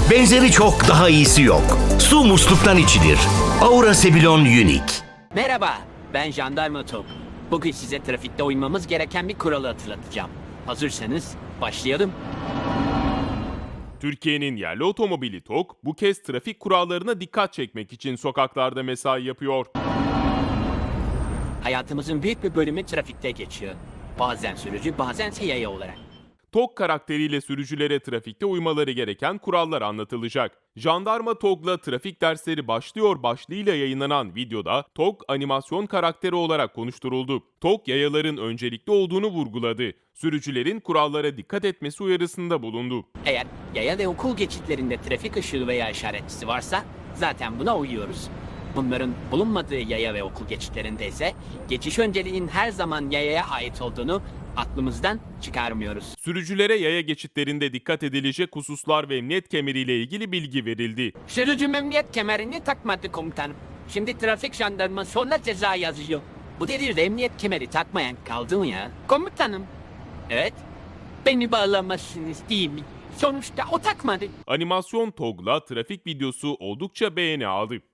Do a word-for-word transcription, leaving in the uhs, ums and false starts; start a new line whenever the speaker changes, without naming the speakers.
Benzeri çok, daha iyisi yok. Su musluktan içilir. Aura Sebilon Unique.
Merhaba, ben Jandarma Tok. Bugün size trafikte uymamız gereken bir kuralı hatırlatacağım. Hazırsanız başlayalım.
Türkiye'nin yerli otomobili TOG bu kez trafik kurallarına dikkat çekmek için sokaklarda mesai yapıyor.
Hayatımızın büyük bir bölümü trafikte geçiyor. Bazen sürücü, bazense yaya olarak.
TOG karakteriyle sürücülere trafikte uymaları gereken kurallar anlatılacak. Jandarma TOG'la trafik dersleri başlıyor başlığıyla yayınlanan videoda TOG animasyon karakteri olarak konuşturuldu. TOG yayaların öncelikli olduğunu vurguladı. Sürücülerin kurallara dikkat etmesi uyarısında bulundu.
Eğer yaya ve okul geçitlerinde trafik ışığı veya işaretçisi varsa zaten buna uyuyoruz. Bunların bulunmadığı yaya ve okul geçitlerinde ise geçiş önceliğinin her zaman yayaya ait olduğunu aklımızdan çıkarmıyoruz.
Sürücülere yaya geçitlerinde dikkat edilecek hususlar ve emniyet kemeriyle ilgili bilgi verildi.
Sürücü emniyet kemerini takmadı komutanım. Şimdi trafik jandarması ona ceza yazıyor. Bu devirde emniyet kemeri takmayan kaldı mı ya? Komutanım. Evet. Beni bağlamazsınız değil mi? Sonuçta o takmadı.
Animasyon TOG'la trafik videosu oldukça beğeni aldı.